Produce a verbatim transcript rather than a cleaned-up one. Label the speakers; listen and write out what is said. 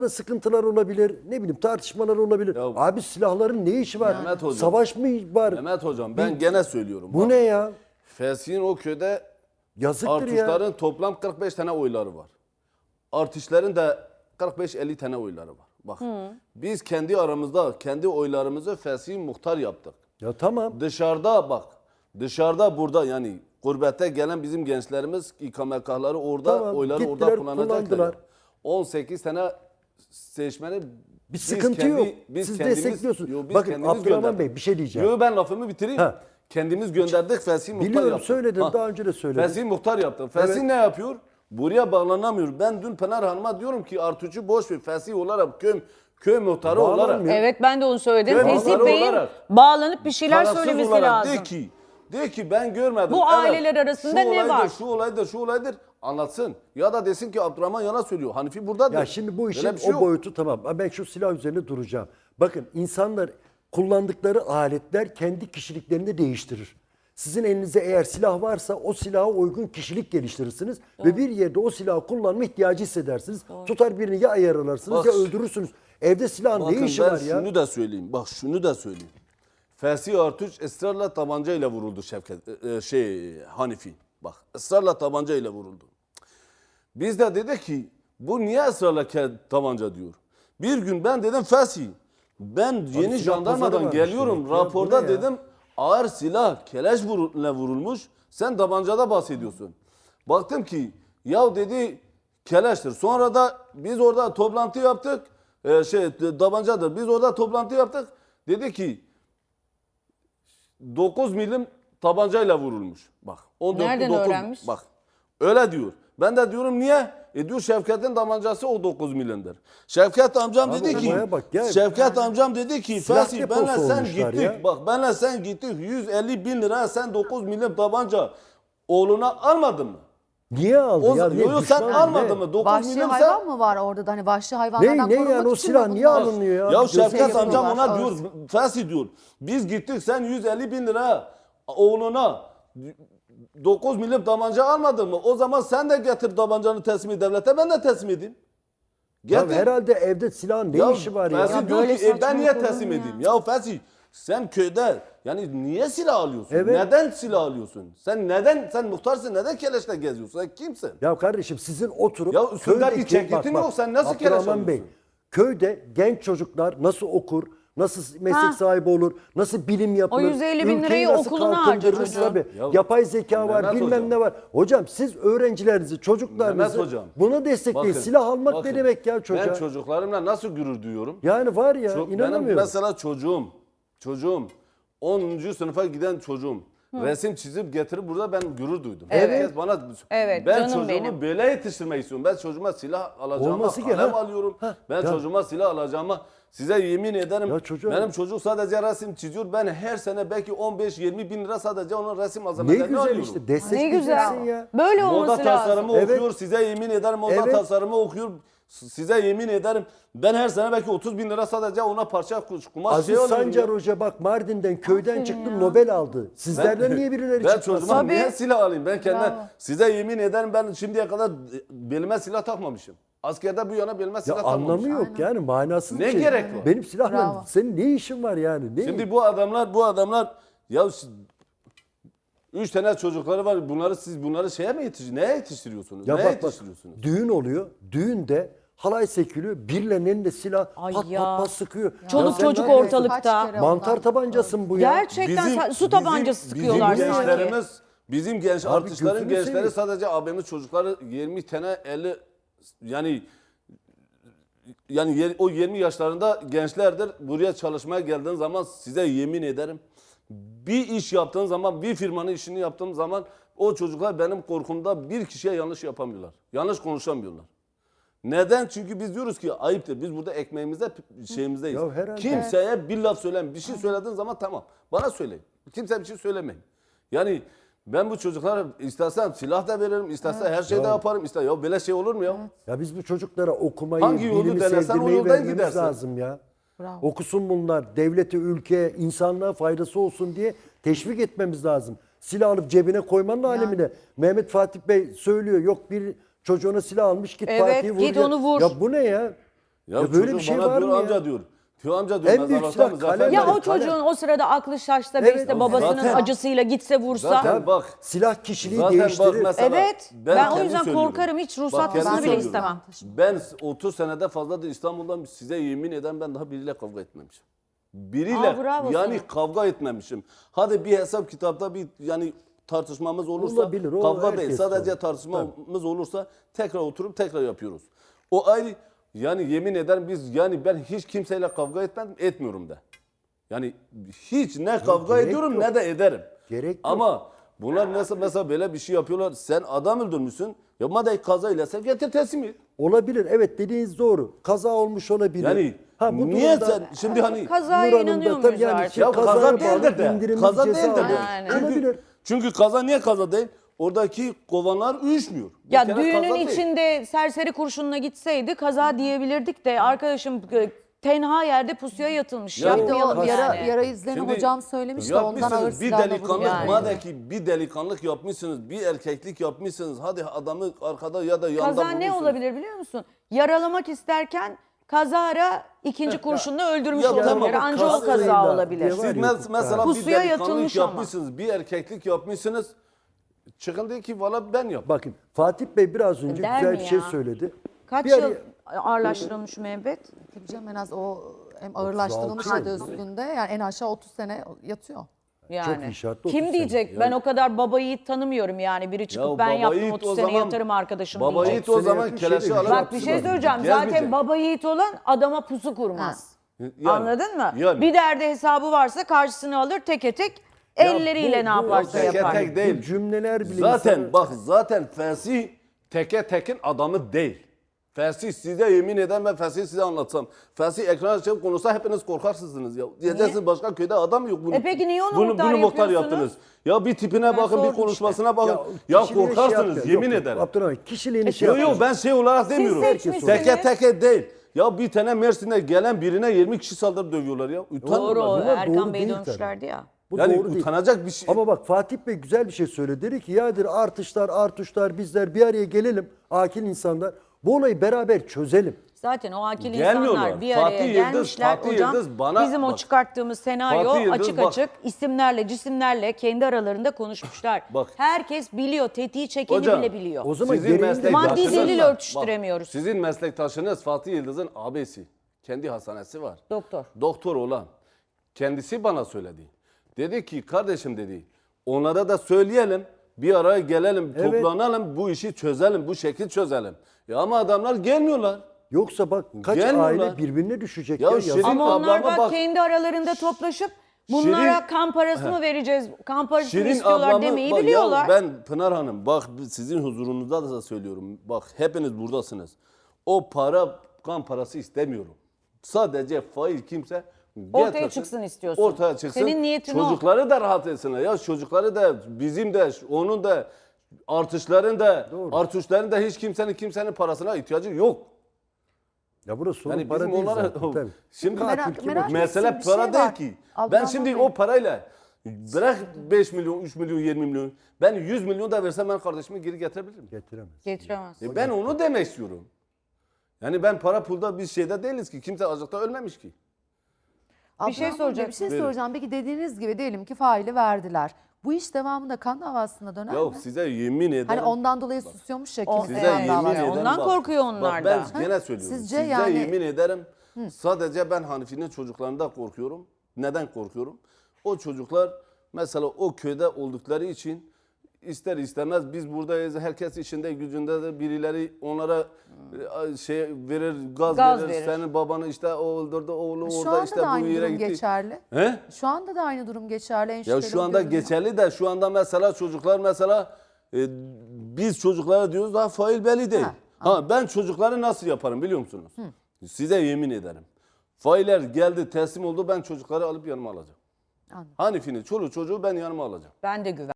Speaker 1: sıkıntılar olabilir, ne bileyim tartışmalar olabilir.
Speaker 2: Ya,
Speaker 1: abi silahların ne işi var?
Speaker 2: Mehmet Hocam,
Speaker 1: Savaş mı var?
Speaker 2: Mehmet Hocam ben gene söylüyorum.
Speaker 1: Bu
Speaker 2: Bak,
Speaker 1: ne ya?
Speaker 2: Fesih'in o köyde
Speaker 1: Yazıktır ya.
Speaker 2: artışların toplam kırk beş tane oyları var. Artışların da kırk beş elli tane oyları var. Bak biz kendi aramızda kendi oylarımızı Fesih'in muhtar yaptık.
Speaker 1: Ya tamam.
Speaker 2: Dışarıda bak dışarıda burada yani gurbette gelen bizim gençlerimiz ikametgahları orada
Speaker 1: Tamam,
Speaker 2: oyları orada
Speaker 1: gittiler,
Speaker 2: kullanacaklar.
Speaker 1: kullandılar.
Speaker 2: on sekiz tane seçmeni
Speaker 1: Bir sıkıntı yok. Siz destekliyorsunuz.
Speaker 2: Yo, biz
Speaker 1: Bakın
Speaker 2: kendimiz
Speaker 1: Abdurrahman
Speaker 2: gönderdik.
Speaker 1: Bey bir şey diyeceğim.
Speaker 2: Yo, ben lafımı bitireyim.
Speaker 1: Ha.
Speaker 2: Kendimiz gönderdik Fesih muhtar
Speaker 1: Biliyorum,
Speaker 2: yaptık.
Speaker 1: söyledin, daha önce de söyledin.
Speaker 2: Fesih muhtar yaptım. Fesih
Speaker 1: Evet.
Speaker 2: ne yapıyor? Buraya bağlanamıyor. Ben dün Pınar Hanım'a diyorum ki Artuç'u boş ver. Fesih olarak köy, köy muhtarı olarak.
Speaker 1: Bağlanmıyor.
Speaker 3: Evet ben de onu söyledim.
Speaker 2: Köy
Speaker 3: Fesih
Speaker 2: muhtarı
Speaker 3: Bey'in
Speaker 2: olarak,
Speaker 3: bağlanıp bir şeyler
Speaker 2: tarafsız
Speaker 3: söylemesi
Speaker 2: olarak
Speaker 3: lazım.
Speaker 2: De ki, de ki ben görmedim.
Speaker 3: Bu aileler arasında
Speaker 2: şu
Speaker 3: ne
Speaker 2: olaydır,
Speaker 3: var?
Speaker 2: Şu olaydır, şu olaydır anlatsın. Ya da desin ki Abdurrahman yana söylüyor. Hanifi buradadır.
Speaker 1: Ya şimdi bu işin
Speaker 2: Böyle bir şey
Speaker 1: o
Speaker 2: yok.
Speaker 1: boyutu tamam. Ben şu silah üzerine duracağım. Bakın insanlar kullandıkları aletler kendi kişiliklerini değiştirir. Sizin elinizde eğer silah varsa o silaha uygun kişilik geliştirirsiniz. Ve bir yerde o silahı kullanma ihtiyacı hissedersiniz. Tutar birini ya ayar alarsınız
Speaker 2: Bak,
Speaker 1: ya öldürürsünüz. Evde silahın
Speaker 2: Bakın
Speaker 1: ne işi
Speaker 2: ben
Speaker 1: var ya?
Speaker 2: şunu da söyleyeyim. Bak şunu da söyleyeyim. Fesih Artuç ısrarla tabancayla vuruldu Şevket e, şey Hanifi. Bak ısrarla tabancayla vuruldu. Biz de dedik ki bu niye ısrarla ke- tabanca diyor. Bir gün ben dedim Fesih ben yeni
Speaker 1: silah pazarı
Speaker 2: jandarmadan
Speaker 1: varmış
Speaker 2: geliyorum
Speaker 1: demek ya, bu
Speaker 2: raporda
Speaker 1: ne ya?
Speaker 2: dedim ağır silah keleş vuruluna vurulmuş sen tabancada bahsediyorsun. Baktım ki ya dedi keleştir. Sonra da biz orada toplantı yaptık. Ee, şey tabancadır. Biz orada toplantı yaptık. Dedi ki dokuz milim tabancayla vurulmuş. Bak. on dört
Speaker 3: Nereden
Speaker 2: dokuz
Speaker 3: öğrenmiş?
Speaker 2: Bak. Öyle diyor. Ben de diyorum niye? E diyor Şevket'in tabancası o dokuz milimdir. Şevket amcam
Speaker 1: Abi
Speaker 2: dedi ki
Speaker 1: olaya bak ya.
Speaker 2: Şevket amcam dedi ki
Speaker 1: Silah
Speaker 2: Fesih
Speaker 1: deposu
Speaker 2: benle sen
Speaker 1: olmuşlar
Speaker 2: gittik.
Speaker 1: ya.
Speaker 2: Bak benle sen gittik. yüz elli bin lira sen dokuz milim tabanca oğluna almadın mı?
Speaker 1: Niye aldı
Speaker 2: O,
Speaker 1: ya?
Speaker 2: yo,
Speaker 1: Ne,
Speaker 2: yo, sen
Speaker 1: düşman
Speaker 2: almadın
Speaker 1: ne?
Speaker 2: mı? dokuz
Speaker 4: Vahşi
Speaker 2: milimse
Speaker 4: hayvan mı var orada da hani vahşi hayvanlardan
Speaker 1: Ne, ne
Speaker 4: korunmak
Speaker 1: yani o
Speaker 4: için
Speaker 1: silah
Speaker 4: mi
Speaker 1: niye
Speaker 4: bunlar?
Speaker 1: alınıyor ya?
Speaker 2: Ya
Speaker 1: Gözü
Speaker 2: Şevket
Speaker 4: yapıyorlar,
Speaker 2: amcam ona
Speaker 4: ağır.
Speaker 2: diyor, Fesih diyor. Biz gittik sen yüz elli bin lira oğluna dokuz milim tabanca almadın mı? O zaman sen de getir tabancanı teslim et devlete ben de teslim edeyim.
Speaker 1: Ya
Speaker 2: Getir.
Speaker 1: herhalde evde silahın ne
Speaker 2: Ya
Speaker 1: işi var ya?
Speaker 2: Fesih
Speaker 4: Ya
Speaker 2: diyor
Speaker 4: böyle
Speaker 2: ki e, ben niye
Speaker 4: saçmalık olur
Speaker 2: teslim
Speaker 4: mu ya?
Speaker 2: edeyim? Ya Fesih sen köyde yani niye silah alıyorsun?
Speaker 1: Evet.
Speaker 2: Neden silah alıyorsun? Sen neden sen muhtarsın neden keleşle geziyorsun? Sen kimsin?
Speaker 1: Ya kardeşim sizin oturup
Speaker 2: Ya üstünde bir
Speaker 1: köydeki-
Speaker 2: ceketin yok, sen nasıl keleş
Speaker 1: Abdurrahman Bey,
Speaker 2: alıyorsun?
Speaker 1: köyde genç çocuklar nasıl okur, nasıl meslek
Speaker 3: Ha.
Speaker 1: sahibi olur, nasıl bilim yapılır,
Speaker 3: O yüz elli bin
Speaker 1: ülkeyi
Speaker 3: lirayı
Speaker 1: nasıl
Speaker 3: okuluna
Speaker 1: kalkındırır
Speaker 3: harca çocuğun.
Speaker 1: tabii.
Speaker 2: Ya,
Speaker 1: Yapay zeka var,
Speaker 2: Mehmet
Speaker 1: bilmem
Speaker 2: hocam.
Speaker 1: ne var. Hocam siz öğrencilerinizi, çocuklarınızı
Speaker 2: Mehmet hocam,
Speaker 1: buna destekleyin.
Speaker 2: bakın,
Speaker 1: Silah almak
Speaker 2: bakın,
Speaker 1: ne demek ya çocuğa?
Speaker 2: Ben çocuklarımla nasıl gurur duyuyorum?
Speaker 1: Yani var ya,
Speaker 2: Çok- benim
Speaker 1: inanamıyorum.
Speaker 2: mesela çocuğum, çocuğum onuncu sınıfa giden çocuğum resim çizip getirip burada ben gurur duydum.
Speaker 3: Evet.
Speaker 2: Herkes bana
Speaker 3: Evet,
Speaker 2: ben
Speaker 3: canım
Speaker 2: çocuğumu
Speaker 3: benim.
Speaker 2: böyle yetiştirmek istiyorum. Ben çocuğuma silah alacağıma
Speaker 1: Olması ki,
Speaker 2: kalem
Speaker 1: ha.
Speaker 2: alıyorum.
Speaker 1: Ha,
Speaker 2: Ben
Speaker 1: ya.
Speaker 2: çocuğuma silah alacağıma size yemin ederim
Speaker 1: Ya çocuğa-
Speaker 2: benim çocuk sadece resim çiziyor. Ben her sene belki on beş yirmi bin lira sadece onun resim
Speaker 1: Ne
Speaker 2: malzemelerini
Speaker 1: güzel
Speaker 2: alıyorum.
Speaker 1: işte
Speaker 3: Ne
Speaker 1: destekleyeceksin
Speaker 3: güzel.
Speaker 1: ya.
Speaker 3: Böyle
Speaker 2: Moda
Speaker 3: olması lazım.
Speaker 2: tasarımı
Speaker 1: Evet.
Speaker 2: okuyor. Size yemin ederim moda
Speaker 1: Evet.
Speaker 2: tasarımı okuyor. S- Size yemin ederim ben her sene belki otuz bin lira sadece ona parça kuş- kumaş
Speaker 1: Aziz
Speaker 2: şey alıyorum
Speaker 1: Sancar
Speaker 2: ya.
Speaker 1: Hoca bak Mardin'den köyden
Speaker 4: Aferin
Speaker 1: çıktı
Speaker 4: ya.
Speaker 1: Nobel aldı. Sizlerden niye birileri
Speaker 2: Ben
Speaker 1: çıkmaz?
Speaker 2: çocuğuma
Speaker 3: Tabii.
Speaker 2: niye silah alayım? Ben kendime
Speaker 4: Bravo.
Speaker 2: size yemin ederim ben şimdiye kadar belime silah takmamışım. Askerde bu yana belime
Speaker 1: Ya
Speaker 2: silah
Speaker 1: anlamı
Speaker 2: takmamışım.
Speaker 1: yok yani manasız
Speaker 2: Ne
Speaker 1: bir şey.
Speaker 2: gerek var?
Speaker 1: Benim silahla
Speaker 4: Bravo.
Speaker 1: senin ne işin var yani? Ne?
Speaker 2: Şimdi bu adamlar bu adamlar ya s- üç tane çocukları var. Bunları siz bunları şeye mi yetiştiriyorsunuz? Neye yetiştiriyorsunuz?
Speaker 1: ya
Speaker 2: Neye
Speaker 1: bak bak
Speaker 2: yetiştiriyorsunuz?
Speaker 1: düğün oluyor. Düğünde halay sekiliyor. Birilerinin elinde silah
Speaker 3: Ay
Speaker 1: pat
Speaker 3: ya.
Speaker 1: pat pat sıkıyor.
Speaker 3: Çoluk
Speaker 1: Ya sen
Speaker 3: çocuk
Speaker 1: ne yapıyorsun?
Speaker 3: ortalıkta.
Speaker 4: Kaç kere
Speaker 1: Mantar
Speaker 4: onlar-
Speaker 1: tabancası mı bu ya?
Speaker 3: Gerçekten sa- su tabancası sıkıyorlar
Speaker 2: bizim
Speaker 3: sanki.
Speaker 2: gençlerimiz, bizim genç
Speaker 1: Abi
Speaker 2: artistlerin
Speaker 1: gözünü
Speaker 2: gençleri
Speaker 1: seveyim.
Speaker 2: sadece abimiz çocukları yirmi tane elli yani yani yer- o yirmi yaşlarında gençlerdir. Buraya çalışmaya geldiğin zaman size yemin ederim bir iş yaptığın zaman bir firmanın işini yaptığım zaman o çocuklar benim korkumda bir kişiye yanlış yapamıyorlar. Yanlış konuşamıyorlar. Neden? Çünkü biz diyoruz ki ayıptır. Biz burada ekmeğimizde şeyimizdeyiz.
Speaker 1: Ya herhalde.
Speaker 2: Kimseye bir laf söyleme. Bir şey söylediğin zaman tamam. Bana söyleyin. Kimseye bir şey söylemeyin. Yani ben bu çocuklara istersen silah da veririm, istersen her şeyi de yaparım. İster ya böyle şey olur mu ya?
Speaker 1: Ya biz bu çocuklara okumayı,
Speaker 2: Hangi yolu
Speaker 1: bilimi
Speaker 2: denesen o
Speaker 1: sevdirmeyi
Speaker 2: yoldan
Speaker 1: vermemiz
Speaker 2: gidersin.
Speaker 1: lazım ya.
Speaker 4: Bravo.
Speaker 1: Okusun bunlar. Devlete, ülkeye, insanlığa faydası olsun diye teşvik etmemiz lazım. Silah alıp cebine koymanın alemine. Mehmet Fatih Bey söylüyor. Yok bir çocuğuna silah almış git
Speaker 3: Evet,
Speaker 1: Fatih'i vur.
Speaker 3: git
Speaker 1: ya.
Speaker 3: onu vur.
Speaker 1: Ya bu ne ya?
Speaker 2: Ya,
Speaker 1: Ya böyle
Speaker 2: çocuk
Speaker 1: bir şey
Speaker 2: bana
Speaker 1: var
Speaker 2: diyor
Speaker 1: mı ya?
Speaker 2: amca diyor. Diyor amca diyor
Speaker 1: En büyük
Speaker 2: mezarlıkta
Speaker 1: silah
Speaker 2: Muzaffer
Speaker 1: kalem.
Speaker 3: Ya
Speaker 2: Bey-
Speaker 3: o çocuğun o sırada aklı şaşsa ve
Speaker 1: Evet,
Speaker 3: işte
Speaker 1: o
Speaker 3: babasının
Speaker 2: zaten-
Speaker 3: acısıyla gitse vursa.
Speaker 2: Zaten bak.
Speaker 1: Silah kişiliği
Speaker 2: Zaten bak
Speaker 1: değiştirir.
Speaker 2: mesela.
Speaker 3: Evet, ben o
Speaker 2: kendim
Speaker 3: yüzden
Speaker 2: söylüyorum.
Speaker 3: korkarım, hiç
Speaker 2: Bak,
Speaker 3: ruhsatmasını
Speaker 2: kendim
Speaker 3: bile
Speaker 2: söylüyorum.
Speaker 3: istemem.
Speaker 2: Ben otuz senede fazladır İstanbul'dan size yemin eden ben daha biriyle kavga etmemişim. Biriyle
Speaker 3: Aa, bravo
Speaker 2: yani
Speaker 3: sana.
Speaker 2: kavga etmemişim. Hadi bir hesap kitapta bir yani tartışmamız olursa
Speaker 1: Olabilir, o
Speaker 2: kavga değil
Speaker 1: herkes
Speaker 2: sadece
Speaker 1: var.
Speaker 2: tartışmamız olursa tekrar oturup tekrar yapıyoruz. O ayrı yani yemin ederim biz yani ben hiç kimseyle kavga etmedim etmiyorum da. Yani hiç ne kavga
Speaker 1: gerek
Speaker 2: ediyorum
Speaker 1: yok.
Speaker 2: ne de ederim.
Speaker 1: Gerek yok.
Speaker 2: Ama bunlar mesela, mesela böyle bir şey yapıyorlar. Sen adam öldürmüşsün. Ya madem kazayla sen getir teslim et.
Speaker 1: Olabilir. Evet, dediğiniz doğru. Kaza olmuş olabilir.
Speaker 2: Yani
Speaker 1: ha, bu
Speaker 2: niye
Speaker 1: durumda-
Speaker 2: sen şimdi hani
Speaker 3: Kazaya
Speaker 1: Nur Hanım da
Speaker 3: inanıyor
Speaker 1: tabii
Speaker 3: muyuz
Speaker 1: yani
Speaker 3: artık?
Speaker 1: şey-
Speaker 2: ya
Speaker 1: kazaya
Speaker 2: kaza
Speaker 1: bağlı
Speaker 2: değildir de.
Speaker 1: indirimli
Speaker 2: Kaza
Speaker 1: ceza
Speaker 2: değildir de.
Speaker 1: var.
Speaker 3: Aynen.
Speaker 1: Olabilir.
Speaker 2: Çünkü, çünkü kaza niye kaza değil? Oradaki kovanlar uyuşmuyor. Bir
Speaker 3: Ya
Speaker 2: kere
Speaker 3: düğünün
Speaker 2: kaza değil.
Speaker 3: içinde serseri kurşununa gitseydi kaza diyebilirdik de arkadaşım e, tenha yerde pusuya yatılmış.
Speaker 2: Ya
Speaker 4: Bir de o
Speaker 3: Yapmayalım
Speaker 4: yara,
Speaker 3: yani.
Speaker 4: yara izlerini
Speaker 2: Şimdi
Speaker 4: hocam söylemiş de ondan
Speaker 2: yapmışsınız,
Speaker 4: ağır
Speaker 2: bir
Speaker 4: silahla
Speaker 2: delikanlık
Speaker 4: vuruluyor.
Speaker 3: Yani.
Speaker 2: madem ki bir delikanlık yapmışsınız, bir erkeklik yapmışsınız. Hadi adamı arkada ya da yanda
Speaker 3: Kaza ne
Speaker 2: vurursunuz.
Speaker 3: olabilir biliyor musun? Yaralamak isterken kazara ikinci kurşunla öldürmüş
Speaker 2: Ya
Speaker 3: olabilir.
Speaker 2: tamam,
Speaker 3: Anca o
Speaker 2: kazayla
Speaker 3: kaza olabilir.
Speaker 1: diye
Speaker 2: Siz
Speaker 1: var ya
Speaker 2: mes-
Speaker 1: hukukta.
Speaker 2: mesela
Speaker 3: Pusuya
Speaker 2: bir delikanlık
Speaker 3: yatılmış ama.
Speaker 2: yapmışsınız, bir erkeklik yapmışsınız. Çıkın de ki valla ben yap.
Speaker 1: Bakın Fatih Bey biraz önce
Speaker 3: Der
Speaker 1: güzel
Speaker 3: mi
Speaker 1: bir şey
Speaker 3: ya?
Speaker 1: söyledi.
Speaker 3: Kaç
Speaker 1: Bir
Speaker 3: yıl
Speaker 1: araya-
Speaker 3: ağırlaştırılmış müebbet?
Speaker 4: Tabii canım en az o hem ağırlaştırılmış
Speaker 1: otuz altı
Speaker 4: adı üstünde yani en aşağı otuz sene yatıyor.
Speaker 3: Yani.
Speaker 1: iyi şartlı
Speaker 3: Kim
Speaker 1: otuz
Speaker 3: diyecek?
Speaker 2: sene.
Speaker 3: Ben o kadar baba yiğit tanımıyorum yani. Biri çıkıp ben
Speaker 2: baba
Speaker 3: yaptım
Speaker 2: yiğit
Speaker 3: otuz
Speaker 2: o
Speaker 3: sene
Speaker 2: zaman-
Speaker 3: yatarım arkadaşım
Speaker 2: Baba
Speaker 3: diyecek.
Speaker 2: yiğit o
Speaker 1: Sene
Speaker 2: zaman
Speaker 1: yakın şey
Speaker 2: keleşi
Speaker 1: demiş.
Speaker 2: alır.
Speaker 3: Bak bir şey
Speaker 2: atıştırır.
Speaker 3: söyleyeceğim.
Speaker 2: Gelmeyecek.
Speaker 3: Zaten baba yiğit olan adama pusu kurmaz.
Speaker 2: Yani,
Speaker 3: Anladın mı?
Speaker 2: yani.
Speaker 3: Bir derdi hesabı varsa karşısına alır teke tek
Speaker 1: Ya
Speaker 3: elleriyle
Speaker 1: bu-
Speaker 3: ne
Speaker 1: bu-
Speaker 3: yaparsa
Speaker 2: Teke
Speaker 3: yapar.
Speaker 2: tek değil.
Speaker 1: Bu cümleler bile
Speaker 2: Zaten
Speaker 1: insanı-
Speaker 2: bak zaten Fesih teke tekin adamı değil. Fesih size yemin eden ben Fesih size anlatsam. Fesih ekran açıp konuşsa hepiniz korkarsınız ya. Diyeceksiniz başka köyde adam yok. Bunu,
Speaker 3: E peki niye onu
Speaker 2: bunu,
Speaker 3: muhtar
Speaker 2: bunu muhtar
Speaker 3: yapıyorsunuz?
Speaker 2: yaptınız. Ya bir tipine
Speaker 3: Ben
Speaker 2: bakın bir
Speaker 3: sordum
Speaker 2: konuşmasına bakın. Ya,
Speaker 1: kişiliğini şey
Speaker 2: korkarsınız
Speaker 1: yapıyor.
Speaker 2: yemin
Speaker 1: Yok, yok,
Speaker 2: ederim.
Speaker 1: Abdurrahman kişiliğini şey
Speaker 2: Yok yok
Speaker 1: yapıyor.
Speaker 2: ben şey olarak demiyorum.
Speaker 3: seçmişsiniz.
Speaker 2: Teke teke değil. Ya bir tane Mersin'de gelen birine yirmi kişi saldırıp dövüyorlar ya. Utanmıyorlar.
Speaker 3: Doğru.
Speaker 1: Bunlar
Speaker 3: Erkan
Speaker 1: doğru
Speaker 3: Bey
Speaker 1: değil
Speaker 3: dönmüşlerdi ya.
Speaker 1: Bu
Speaker 2: Yani
Speaker 1: doğru değil.
Speaker 2: utanacak bir şey.
Speaker 1: Ama bak Fatih Bey güzel bir şey söyledi. Dedi ki yadır artışlar artışlar bizler bir araya gelelim akil insanlar. Bu olayı beraber çözelim.
Speaker 3: Zaten o akil
Speaker 2: Gelmiyorlar.
Speaker 3: insanlar bir araya
Speaker 2: Fatih Yıldız,
Speaker 3: gelmişler.
Speaker 2: Fatih
Speaker 3: Hocam
Speaker 2: Yıldız bana-
Speaker 3: bizim o
Speaker 2: bak.
Speaker 3: çıkarttığımız senaryo
Speaker 2: Fatih Yıldız
Speaker 3: açık
Speaker 2: bak.
Speaker 3: açık isimlerle cisimlerle kendi aralarında konuşmuşlar.
Speaker 2: Bak.
Speaker 3: Herkes biliyor, tetiği çekeni
Speaker 2: Hocam,
Speaker 3: bile biliyor.
Speaker 1: O zaman
Speaker 2: Sizin
Speaker 1: gereğini de
Speaker 2: meslektaşınız
Speaker 3: Maddi
Speaker 1: yapsın.
Speaker 3: delil
Speaker 2: var.
Speaker 3: örtüştüremiyoruz.
Speaker 2: Bak, sizin meslektaşınız Fatih Yıldız'ın abisi. Kendi hastanesi var.
Speaker 3: Doktor.
Speaker 2: Doktor olan. Kendisi bana söyledi. Dedi ki kardeşim dedi onlara da söyleyelim. Bir araya gelelim,
Speaker 1: Evet.
Speaker 2: toplanalım, bu işi çözelim, bu şekil çözelim. Ya ama adamlar gelmiyorlar.
Speaker 1: Yoksa bak kaç
Speaker 2: Gelmiyorlar.
Speaker 1: aile birbirine düşecek.
Speaker 2: Ya
Speaker 1: Ya,
Speaker 2: Şirin-
Speaker 1: yazık.
Speaker 3: Ama onlar
Speaker 2: ablama
Speaker 3: bak,
Speaker 2: bak.
Speaker 3: kendi aralarında toplaşıp bunlara
Speaker 2: Şirin-
Speaker 3: kan parası mı vereceğiz, kan parası mı
Speaker 2: Şirin
Speaker 3: istiyorlar
Speaker 2: ablamı
Speaker 3: demeyi
Speaker 2: bak ya
Speaker 3: biliyorlar.
Speaker 2: ben Pınar Hanım bak sizin huzurunuzda da söylüyorum. Bak hepiniz buradasınız. O para kan parası istemiyorum. Sadece fail kimse
Speaker 3: Ortaya
Speaker 2: getirsin,
Speaker 3: çıksın istiyorsun.
Speaker 2: Ortaya çıksın.
Speaker 3: Senin niyetin o.
Speaker 2: Çocukları da rahat etsinler. Ya çocukları da bizim de onun da artışların da artışların da hiç kimsenin kimsenin parasına ihtiyacı yok.
Speaker 1: Ya burası sorun
Speaker 2: Yani
Speaker 1: para
Speaker 2: bizim
Speaker 1: değil
Speaker 2: onlara
Speaker 1: zaten. Tabii.
Speaker 2: şimdi
Speaker 4: Merak-
Speaker 1: Katil kim
Speaker 4: merak
Speaker 1: olacak?
Speaker 2: mesele
Speaker 4: ettiğim bir şey
Speaker 2: para değil
Speaker 4: var.
Speaker 2: ki.
Speaker 4: Abdurrahman
Speaker 2: Ben şimdi
Speaker 4: Bey.
Speaker 2: o parayla bırak beş milyon, üç milyon, yirmi milyon. Ben yüz milyon da versem ben kardeşimi geri getirebilirim.
Speaker 1: Getiremez.
Speaker 3: Getiremez.
Speaker 2: E ben onu demek istiyorum. Yani ben para pulda bir şeyde değiliz ki. Kimse açlıkta ölmemiş ki.
Speaker 3: Bir şey
Speaker 4: Abdurrahman Bey,
Speaker 3: soracak.
Speaker 4: Bir şey
Speaker 2: Buyurun.
Speaker 4: soracağım. Peki dediğiniz gibi diyelim ki faili verdiler. Bu iş devamında kan davasına döner
Speaker 2: Yok
Speaker 4: mi?
Speaker 2: size yemin ederim.
Speaker 4: Hani ondan dolayı susuyormuş ya
Speaker 3: O-
Speaker 4: kimse
Speaker 2: Size
Speaker 4: kan
Speaker 2: yemin
Speaker 4: davası.
Speaker 2: ederim.
Speaker 3: Ondan
Speaker 2: bak,
Speaker 3: korkuyor onlar
Speaker 2: bak ben
Speaker 3: da.
Speaker 2: gene söylüyorum.
Speaker 4: Sizce
Speaker 2: Size
Speaker 4: yani-
Speaker 2: yemin ederim. Sadece ben Hanifi'nin çocuklarından korkuyorum. Neden korkuyorum? O çocuklar mesela o köyde oldukları için ister istemez biz buradayız. Herkes işinde gücünde de birileri onlara e, şey verir, gaz,
Speaker 3: Gaz
Speaker 2: verir.
Speaker 3: verir.
Speaker 2: Senin babanı işte o öldürdü, oğlu
Speaker 4: Şu
Speaker 2: orada
Speaker 4: anda
Speaker 2: işte
Speaker 4: da
Speaker 2: bu
Speaker 4: aynı
Speaker 2: yere
Speaker 4: durum
Speaker 2: gitti.
Speaker 4: geçerli.
Speaker 2: He?
Speaker 4: Şu anda da aynı durum geçerli. En
Speaker 2: Ya
Speaker 4: şüpheli
Speaker 2: şu
Speaker 4: o
Speaker 2: anda
Speaker 4: görünüyor.
Speaker 2: geçerli de şu anda mesela çocuklar mesela e, biz çocuklara diyoruz daha fail belli değil.
Speaker 4: Ha,
Speaker 2: Ha, ben çocukları nasıl yaparım biliyor musunuz? Size yemin ederim. Failler geldi teslim oldu ben çocukları alıp yanıma alacağım.
Speaker 4: Anladım.
Speaker 2: Hanifi'nin çoluğu çocuğu ben yanıma alacağım.
Speaker 3: Ben de güven.